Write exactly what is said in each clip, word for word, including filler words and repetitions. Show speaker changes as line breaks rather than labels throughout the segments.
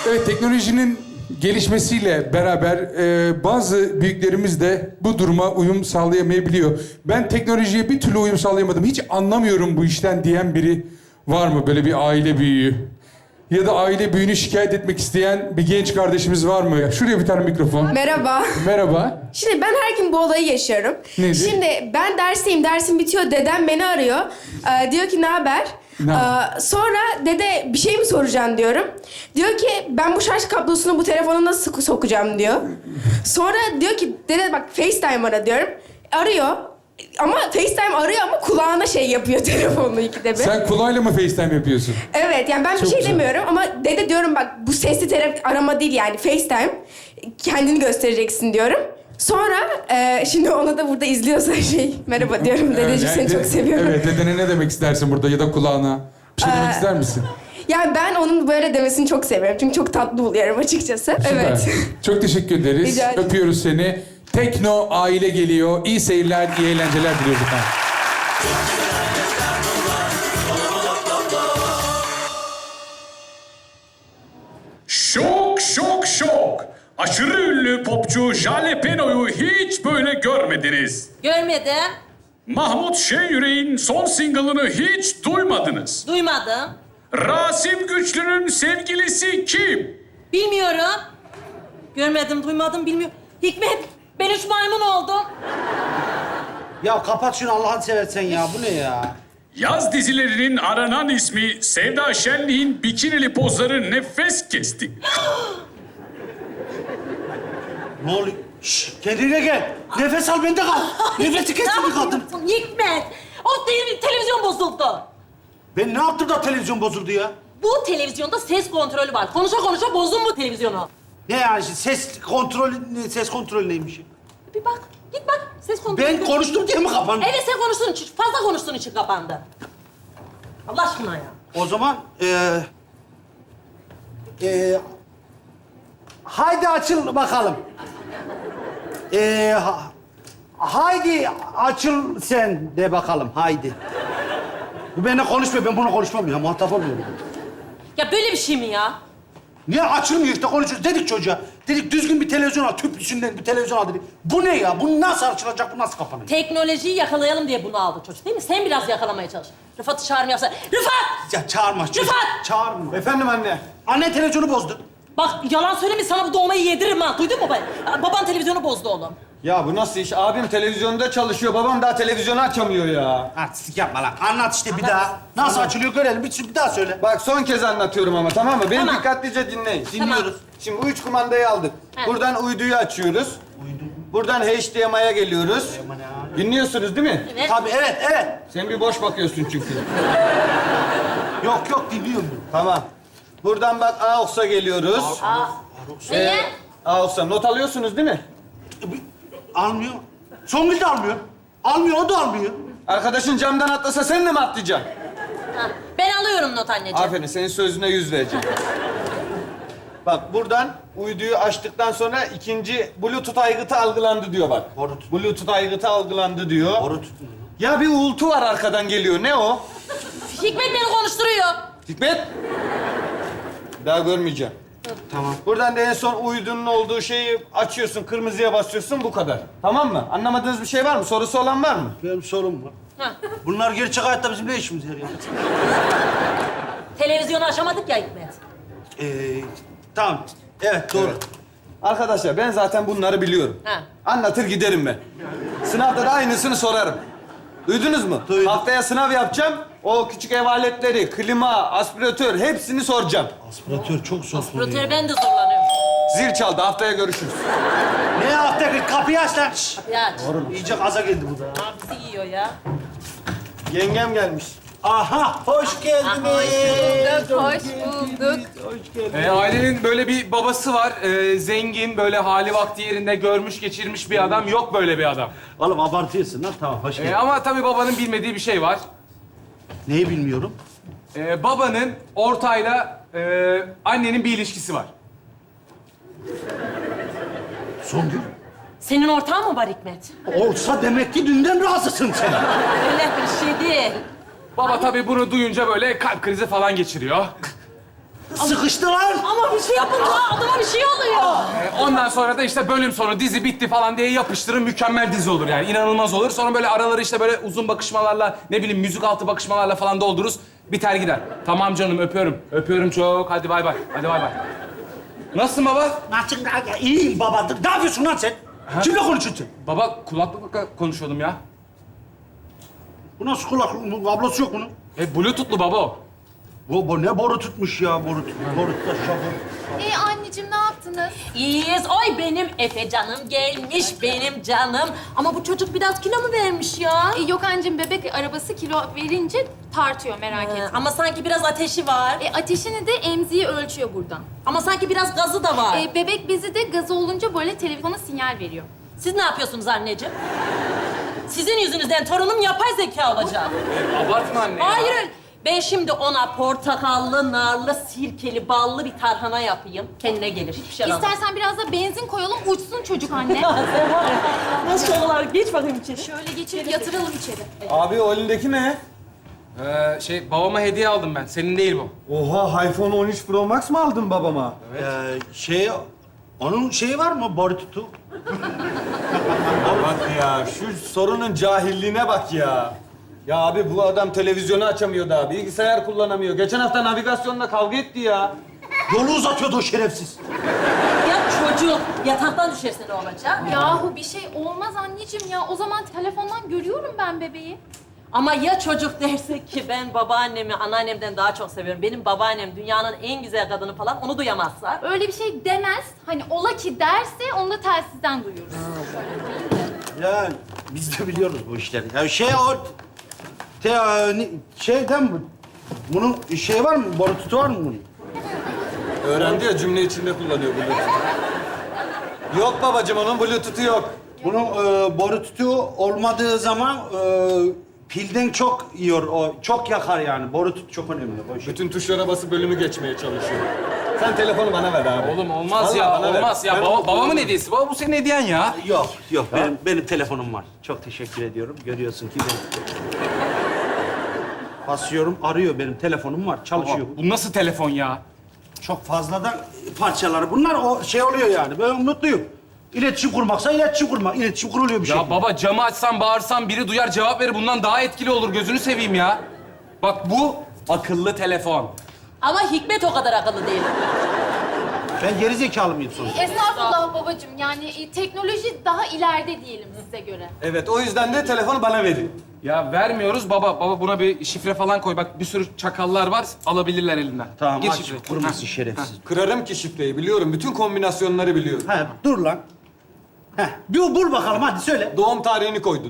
Evet, teknolojinin gelişmesiyle beraber e, bazı büyüklerimiz de bu duruma uyum sağlayamayabiliyor. Ben teknolojiye bir türlü uyum sağlayamadım. Hiç anlamıyorum bu işten diyen biri var mı? Böyle bir aile büyüğü. Ya da aile büyüğünü şikayet etmek isteyen bir genç kardeşimiz var mı? Şuraya bir tane mikrofon.
Merhaba.
Merhaba.
Şimdi ben her gün bu olayı yaşıyorum.
Nedir?
Şimdi ben dersteyim, dersim bitiyor. Dedem beni arıyor. Ee, diyor ki ne haber?
Ne haber?
Ee, sonra dede bir şey mi soracaksın diyorum. Diyor ki ben bu şarj kablosunu bu telefona nasıl sok- sokacağım diyor. Sonra diyor ki dede bak FaceTime ara diyorum. Arıyor. Ama FaceTime arıyor ama kulağına şey yapıyor telefonunu ikide bir.
Sen kulağıyla mı FaceTime yapıyorsun?
Evet yani ben bir
Çok
şey
güzel.
demiyorum ama dede diyorum bak bu sesli telefon arama değil yani FaceTime. Kendini göstereceksin diyorum. Sonra e, şimdi ona da burada izliyorsa şey merhaba diyorum dedeciğim seni
Yani
çok
de-
seviyorum.
Evet, dedene ne demek istersin burada ya da kulağına? Bir şey demek
Ee,
ister misin?
Yani ben onun böyle demesini çok seviyorum çünkü çok tatlı buluyorum açıkçası.
Süper.
Evet.
Çok teşekkür ederiz.
Rica ederim.
Öpüyoruz seni. Tekno aile geliyor. İyi seyirler, iyi eğlenceler diliyoruz efendim.
Şok şok şok. Aşırı ünlü popçu Jalapeno'yu hiç böyle görmediniz.
Görmedim,
Mahmut Şenyürek'in son single'ını hiç duymadınız.
duymadım,
Rasim Güçlü'nün sevgilisi kim?
bilmiyorum. Görmedim, duymadım, bilmiyorum. Hikmet, ben üç maymun oldum.
Ya kapat şunu Allah'ını seversen ya. Bu ne ya?
Yaz dizilerinin aranan ismi Sevda Şenlik'in bikinili pozları nefes kesti.
Ne oluyor? Şşş, kendine gel. Nefes al, bende kal. Nefesi kesin bir kadın.
Hikmet, o te- televizyon bozuldu.
Ben ne yaptım da televizyon bozuldu ya?
Bu televizyonda ses kontrolü var. Konuşa konuşa bozdun bu televizyonu.
Ne yani şimdi ses kontrolü, ne- ses kontrolü neymiş?
Bir bak, git bak. Ses kontrolü.
Ben konuştum diye mi kapandı?
Evet, sen konuştuğun için, fazla konuştuğun için kapandı. Allah aşkına ya.
O zaman eee... Eee... Haydi açıl bakalım. Eee... ha- haydi açıl sen de bakalım, haydi. Bu benimle konuşmuyor, ben bunu konuşmam ya, muhatap olmuyorum.
Ya böyle bir şey mi ya?
Niye açılmıyor işte konuşuyoruz. Dedik çocuğa. Dedik düzgün bir televizyon al. Tüplüsünden bir televizyon al dedik. Bu ne ya? Bu nasıl açılacak? Bu nasıl kapanıyor?
Teknolojiyi yakalayalım diye bunu aldı çocuk değil mi? Sen biraz yakalamaya çalış. Rıfat'ı çağırma yapsa. Rıfat!
Ya çağırma. çocuk.
Rıfat!
Çağırma.
Efendim anne.
Anne televizyonu bozdu.
Bak yalan söyleme sana bu dolmayı yediririm ha. Duydun mu ben? Baban televizyonu bozdu oğlum.
Ya bu nasıl iş? Abim televizyonda çalışıyor. Babam daha televizyonu açamıyor ya.
Artistik yapma lan. Anlat işte bir
Anlat.
daha. Nasıl açılıyor görelim. Bir, bir daha söyle.
Bak son kez anlatıyorum ama tamam mı? Beni
Tamam.
dikkatlice dinleyin.
Dinliyoruz.
Şimdi bu üç kumandayı aldık.
He.
Buradan uyduyu açıyoruz. Buradan H D M I'ye geliyoruz. Dinliyorsunuz değil mi?
Evet.
Tabii evet evet.
Sen bir boş bakıyorsun çünkü.
Yok yok dinliyorum.
Tamam. Buradan bak A O X'a geliyoruz.
Aa. Niye?
A O X'a not alıyorsunuz değil mi?
E, bir- Almıyor. Songül de almıyor. Almıyor, o da almıyor.
Arkadaşın camdan atlasa sen de mi atlayacaksın?
Ha, ben alıyorum not anneciğim.
Aferin, senin sözüne yüz vereceğim. Bak buradan uyduyu açtıktan sonra ikinci Bluetooth aygıtı algılandı diyor bak.
Bluetooth.
Bluetooth aygıtı algılandı diyor.
Boru tutmuyor.
Ya bir uğultu var arkadan geliyor. Ne o?
Hikmet beni konuşturuyor.
Hikmet. Bir daha görmeyeceğim.
Tamam.
Buradan da en son uydunun olduğu şeyi açıyorsun, kırmızıya basıyorsun, bu kadar. Tamam mı? Anlamadığınız bir şey var mı? Sorusu olan var mı?
Benim sorum var.
Ha.
Bunlar gerçek hayatta bizim ne işimiz var ya?
Televizyonu açamadık ya Hikmet.
Ee, tamam. Evet doğru.
Evet. Arkadaşlar ben zaten bunları biliyorum.
Ha.
Anlatır giderim ben. Sınavda da aynısını sorarım. Duydunuz mu?
Duydum.
Haftaya sınav yapacağım. O küçük ev aletleri, klima, aspiratör hepsini soracağım.
Aspiratör çok zor soruyor.
Rotör ben de zorlanıyorum.
Zil çaldı. Haftaya görüşürüz.
Ne yaptı? Kapıyı aç lan. Şşş.
Ya
İyice gaza geldi bu da.
bizi yiyor ya.
Yengem gelmiş.
Aha, hoş geldiniz.
Hoş bulduk.
Hoş geldiniz.
E, ailenin böyle bir babası var. E, zengin, böyle hali vakti yerinde görmüş, geçirmiş bir adam. Yok böyle bir adam.
Oğlum abartıyorsun lan. Tamam, hoş geldin.
E, ama tabii babanın bilmediği bir şey var.
Neyi bilmiyorum?
E, babanın ortayla e, annenin bir ilişkisi var.
Songül.
Senin ortağın mı var Hikmet?
Olsa demek ki dünden razısın sen.
Öyle bir şey değil.
Baba tabii bunu duyunca böyle kalp krizi falan geçiriyor.
Sıkıştı lan.
Ama bir şey yapın lan. Adama bir şey oluyor.
E, ondan sonra da işte bölüm sonu dizi bitti falan diye yapıştırın, mükemmel dizi olur yani. İnanılmaz olur. Sonra böyle araları işte böyle uzun bakışmalarla, ne bileyim müzik altı bakışmalarla falan doldururuz. Biter gider. Tamam canım, öpüyorum. Öpüyorum çok. Hadi bay bay. Hadi bay bay. Nasılsın baba?
Nasıl? İyiyim baba. Ne yapıyorsun lan sen? Kimle konuşuyorsun sen?
Baba kulaklıkla konuşuyordum ya.
Bu nasıl kulak? Bu kablosu yok bunun.
E bluetooth'lu baba o.
Bu, bu ne boru tutmuş ya boru tut. Boru tut aşağı boru.
Ee anneciğim ne yaptınız?
İyiyiz. Oy benim Efe canım gelmiş benim canım. Ama bu çocuk biraz kilo mu vermiş ya?
Ee, yok anneciğim bebek arabası kilo verince tartıyor merak
Ee,
etme.
ama sanki biraz ateşi var.
E, ateşini de emziği ölçüyor buradan.
Ama sanki biraz gazı da var.
E, bebek bezi de gazı olunca böyle telefona sinyal veriyor.
Siz ne yapıyorsunuz anneciğim? Sizin yüzünüzden torunum yapay zeka olacak.
Abartma anne ya.
Hayır öyle. Ben şimdi ona portakallı, narlı, sirkeli, ballı bir tarhana yapayım. Kendine gelir. Hiçbir şey alamaz.
İstersen biraz da benzin koyalım uçsun çocuk anne.
Sen var ya, nasıl olarak geç bakayım içeri.
Şöyle geçirip yatıralım içeri.
Abi o elindeki ne?
Ee, şey babama hediye aldım ben. Senin değil bu.
Oha, iPhone on üç Pro Max mı aldın babama?
Ee, şey, onun şeyi var mı? Boru tutu.
Bak ya, şu sorunun cahilliğine bak ya. Ya abi bu adam televizyonu açamıyor daha, bilgisayar kullanamıyor. Geçen hafta navigasyonla kavga etti ya.
Yolu uzatıyordu o şerefsiz.
Ya çocuk yataktan düşerse ne olacak?
Yahu bir şey olmaz anneciğim ya. O zaman telefondan görüyorum ben bebeği.
Ama ya çocuk derse ki ben babaannemi anneannemden daha çok seviyorum. Benim babaannem dünyanın en güzel kadını falan onu duyamazsa.
Öyle bir şey demez. Hani ola ki derse onu da telsizden duyuyoruz.
Ya biz de biliyoruz bu işleri. Ya şey o... Te, e, ne- şeyden mi? Bunun şey var mı? Boru tutu var mı bunun?
Öğrendi ya, cümle içinde kullanıyor Bluetooth'u. Yok babacığım, onun Bluetooth'u yok.
Bunun e, boru tutu olmadığı zaman e, pilden çok yiyor o. Çok yakar yani. Boru tutu çok önemli. O şey.
Bütün tuşlara basıp bölümü geçmeye çalışıyor. Sen telefonu bana ver abi.
Oğlum olmaz
Vallahi
ya,
bana ver.
olmaz ya.
Ben
Baba,
onu
babamın
kullanırım.
hediyesi. Baba bu senin hediyen ya.
Yok, yok. Benim, benim telefonum var. Çok teşekkür ediyorum. Görüyorsun ki ben... Basıyorum, arıyor. Benim telefonum var. Çalışıyor.
Baba, bu nasıl telefon ya?
Çok fazladan parçaları. Bunlar o şey oluyor yani. Ben mutluyum. İletişim kurmaksa iletişim kurmak. İletişim kuruluyor bir şey.
Ya baba camı açsam bağırsam biri duyar cevap verir. Bundan daha etkili olur. Gözünü seveyim ya. Bak bu akıllı telefon.
Ama Hikmet o kadar akıllı değil.
Ben geri zekalı mıyım sonuçta?
Estağfurullah babacığım. Yani e, teknoloji daha ileride diyelim size göre.
Evet, o yüzden de telefonu bana verin.
Ya vermiyoruz baba. Baba buna bir şifre falan koy. Bak bir sürü çakallar var. Alabilirler elinden.
Tamam,
Gir
aç.
şifreyi.
Kurması
Ha.
şerefsiz.
Kırarım ki şifreyi, biliyorum. Bütün kombinasyonları biliyorum.
Ha, dur lan. Heh, bir bul bakalım hadi söyle.
Doğum tarihini koydun.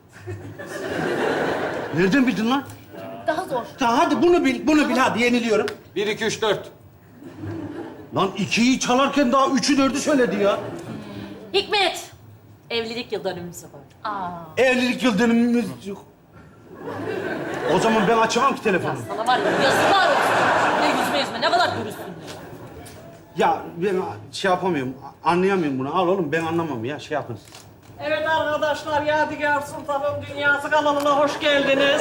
Nereden bildin lan?
Daha zor.
Tamam hadi bunu bil, bunu bil hadi yeniliyorum.
Bir, iki, üç, dört.
Lan ikiyi çalarken daha üçü dördü söyledi ya.
Hikmet, evlilik yıl dönümümüzü koy.
Evlilik yıl dönümümüz yok. O zaman ben açamam ki telefonu.
Sana var ya yazıklar olsun. Ne yüzme yüzme ne kadar dürüstsün.
Ya ben şey yapamıyorum, anlayamıyorum bunu. Al oğlum ben anlamam ya, şey yapın.
Evet arkadaşlar, Yadigar Sultan'ın Dünyası kanalına hoş geldiniz.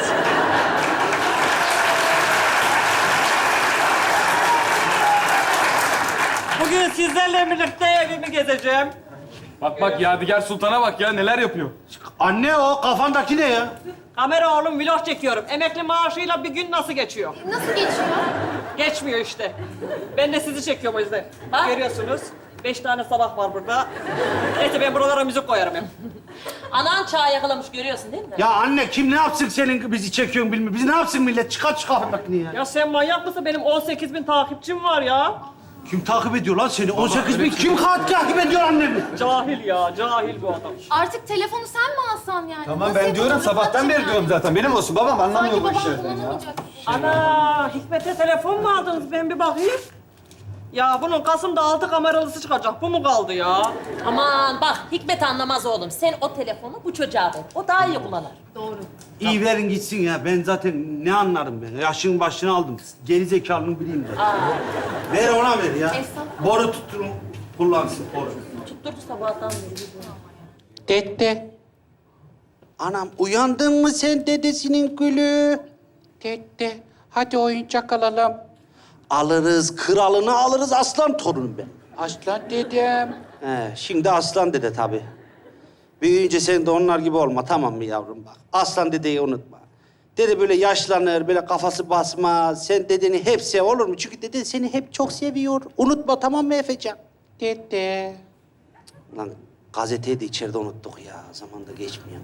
Bugün sizlerle birlikte evimi gezeceğim.
Bak bak Yadigar Sultan'a bak ya neler yapıyor.
Anne o kafandaki ne ya?
Kamera oğlum vlog çekiyorum. Emekli maaşıyla bir gün nasıl geçiyor?
Nasıl geçiyor?
Geçmiyor işte. Ben de sizi çekiyorum o yüzden.
Bak.
Görüyorsunuz. Beş tane sabah var burada. Neyse ben buralara müzik koyarım hep.
Anan çağ yakalamış görüyorsun değil mi?
Ya anne kim ne yapsın senin bizi çekiyorsun bilmiyorum. Biz ne yapsın millet? Çıkar çıkar kafandakini ya.
Ya sen manyak mısın? Benim on sekiz bin takipçim var ya.
Kim takip ediyor lan seni? on sekiz bin kim kat takip ediyor annemi?
Cahil ya, cahil bu adam.
Artık telefonu sen mi alsan yani?
Tamam
Nasıl
ben diyorum,
yapalım?
sabahtan beri
Yani?
diyorum zaten. Benim olsun babam,
Sanki
anlamıyor bu
babam
işlerden ya.
kullanamayacak.
Ana, Hikmet'e telefon mu aldınız? Ben bir bakayım. Ya bunun Kasım'da altı kameralısı çıkacak. Bu mu kaldı ya?
Aman bak Hikmet anlamaz oğlum. Sen o telefonu bu çocuğa ver. O daha iyi kullanır.
Doğru.
İyi verin gitsin ya. Ben zaten ne anlarım ben? Yaşın başını aldım. Geri zekalının bileyim zaten. Ver ona ver ya.
Estağfurullah.
Boru tutturun. Kullansın boru.
Tutturdu sabahtan beri.
Dede,
Anam uyandın mı sen dedesinin gülü?
dede, hadi oyuncak alalım.
Alırız, kralını alırız, aslan torunum ben.
Aslan dedem.
He, şimdi aslan dede tabii. Büyüyünce sen de onlar gibi olma, tamam mı yavrum bak. Aslan dedeyi unutma. Dede böyle yaşlanır, böyle kafası basmaz. Sen dedeni hep sev, olur mu? Çünkü deden seni hep çok seviyor. Unutma, tamam mı Efecan?
Dede.
Lan gazeteyi de içeride unuttuk ya. Zaman da geçmiyor.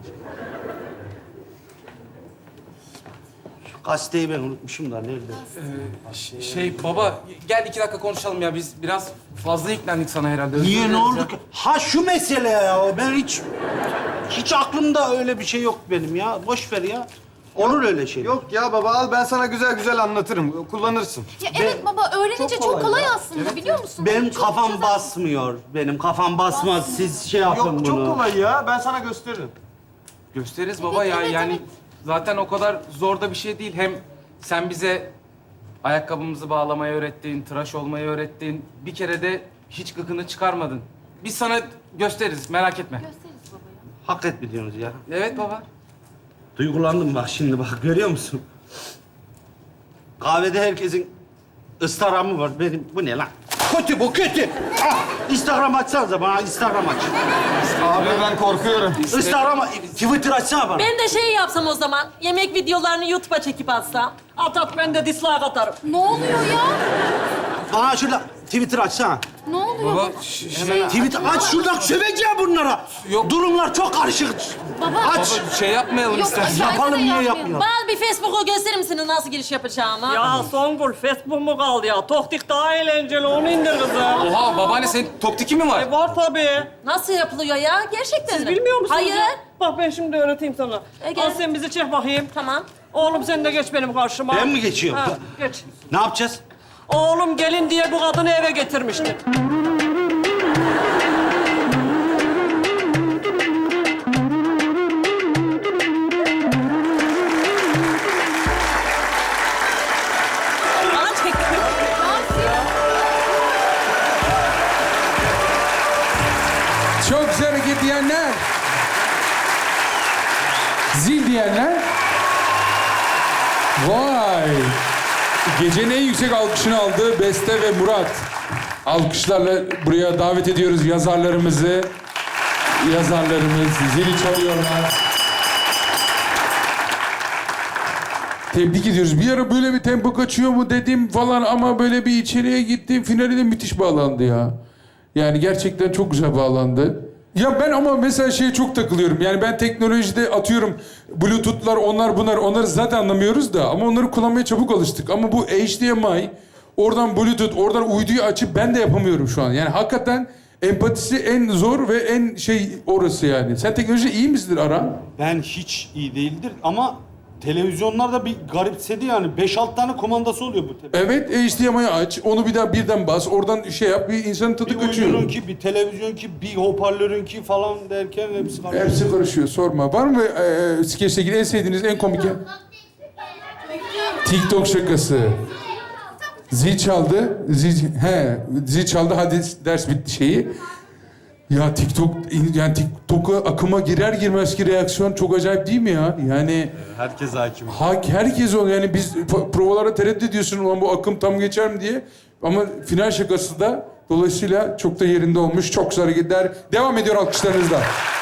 Şu gazeteyi ben unutmuşum da nerede?
Ş- Şey baba gel iki dakika konuşalım ya. Biz biraz fazla yüklendik sana herhalde. Özür
Niye, ne
dileriz
oldu
ya.
ki? Ha şu mesele ya. Ben hiç... Hiç aklımda öyle bir şey yok benim ya. Boş ver ya. Olur öyle şey.
Yok ya baba al ben sana güzel güzel anlatırım. Kullanırsın.
Ya evet baba öğrenince
çok
çok
kolay
kolay,
ya.
aslında biliyor musun?
Benim
Çok
kafam
güzel.
basmıyor. Benim kafam basmaz. Siz şey yapın
Yok
bunu.
çok kolay ya. Ben sana gösteririm.
Gösteririz baba
Evet,
ya.
evet,
yani
evet.
zaten o kadar zor da bir şey değil. Hem sen bize ayakkabımızı bağlamayı öğrettin, tıraş olmayı öğrettin. Bir kere de hiç gıkını çıkarmadın. Biz sana gösteririz, merak etme.
Gösteririz baba ya.
Hak etmiyorsunuz ya.
Evet baba.
Duygulandım bak şimdi bak görüyor musun? Kahvede herkesin Instagram'ı var. Benim bu ne lan? Kötü bu kötü. Ah, Instagram açsanıza bana Instagram aç.
Abi ben korkuyorum.
Instagram, Twitter açsana bana.
Ben de şey yapsam o zaman. Yemek videolarını YouTube'a çekip atsam.
At at ben de dislike atarım.
Ne oluyor ya?
Bana şurada Twitter açsana.
Ne oluyor?
Baba ş- şey,
Twitter aç şuradan söveceğim bunlara.
Yok.
Durumlar çok karışık.
Baba.
Aç.
baba şey yapmayalım
Yok,
istersen.
aşağıda
Yapalım,
da
niye
yapmayalım.
yapmayalım?
Bana bir Facebook'u gösterir misiniz nasıl giriş yapacağımı?
Ya Songül Facebook mu kaldı ya? Toktik daha eğlenceli onu indir kızım.
Oha babaanne senin toktiki mi var?
E var tabii.
Nasıl yapılıyor ya? Gerçekten
Siz
mi?
bilmiyor musunuz?
Hayır.
ya? Bak ben şimdi öğreteyim sana.
E, gel.
Al sen bizi çek bakayım.
Tamam.
Oğlum sen de geç benim karşıma.
Ben mi geçiyorum?
Ha, geç.
Ne yapacağız?
Oğlum gelin diye bu kadını eve getirmişti.
Bana çek.
Çok güzel hareket diyenler. Zil diyenler. Vay. Gecenin en yüksek alkışını aldı Beste ve Murat. Alkışlarla buraya davet ediyoruz yazarlarımızı. Yazarlarımız zili çalıyorlar. Tebrik ediyoruz. Bir ara böyle bir tempo kaçıyor mu dedim falan ama böyle bir içeriye gittim. Finali de müthiş bağlandı ya. Yani gerçekten çok güzel bağlandı. Ya ben ama mesela şeye çok takılıyorum. Yani ben teknolojide atıyorum Bluetooth'lar onlar bunlar onları zaten anlamıyoruz da ama onları kullanmaya çabuk alıştık. Ama bu H D M I oradan Bluetooth oradan uyduyu açıp ben de yapamıyorum şu an. Yani hakikaten empatisi en zor ve en şey orası yani. Sen teknolojide iyi misindir Aran?
Ben hiç iyi değildir ama televizyonlarda bir garipsedi yani. Beş alt tane kumandası oluyor bu televizyon.
Evet H D M I'yi aç. Onu bir daha birden bas. Oradan şey yap. Bir insanın tadı
Bir
kaçıyor.
uydunun ki, bir televizyon ki, bir hoparlörün ki falan derken hepsi karışıyor.
Hepsi karışıyor. Sorma. Var mı e, skeçle ilgili en sevdiğiniz, en komik? TikTok şakası. Zil çaldı. Zil, he, zil çaldı. Hadi ders bitti şeyi. Ya TikTok, yani TikTok'a akıma girer girmez ki reaksiyon çok acayip değil mi ya? Yani
Herkes hakim.
ha, herkes onu yani biz p- provalara tereddüt ediyorsun ulan bu akım tam geçer mi diye. Ama final şakası da dolayısıyla çok da yerinde olmuş. Çok güzel hareketler. Devam ediyor alkışlarınızla.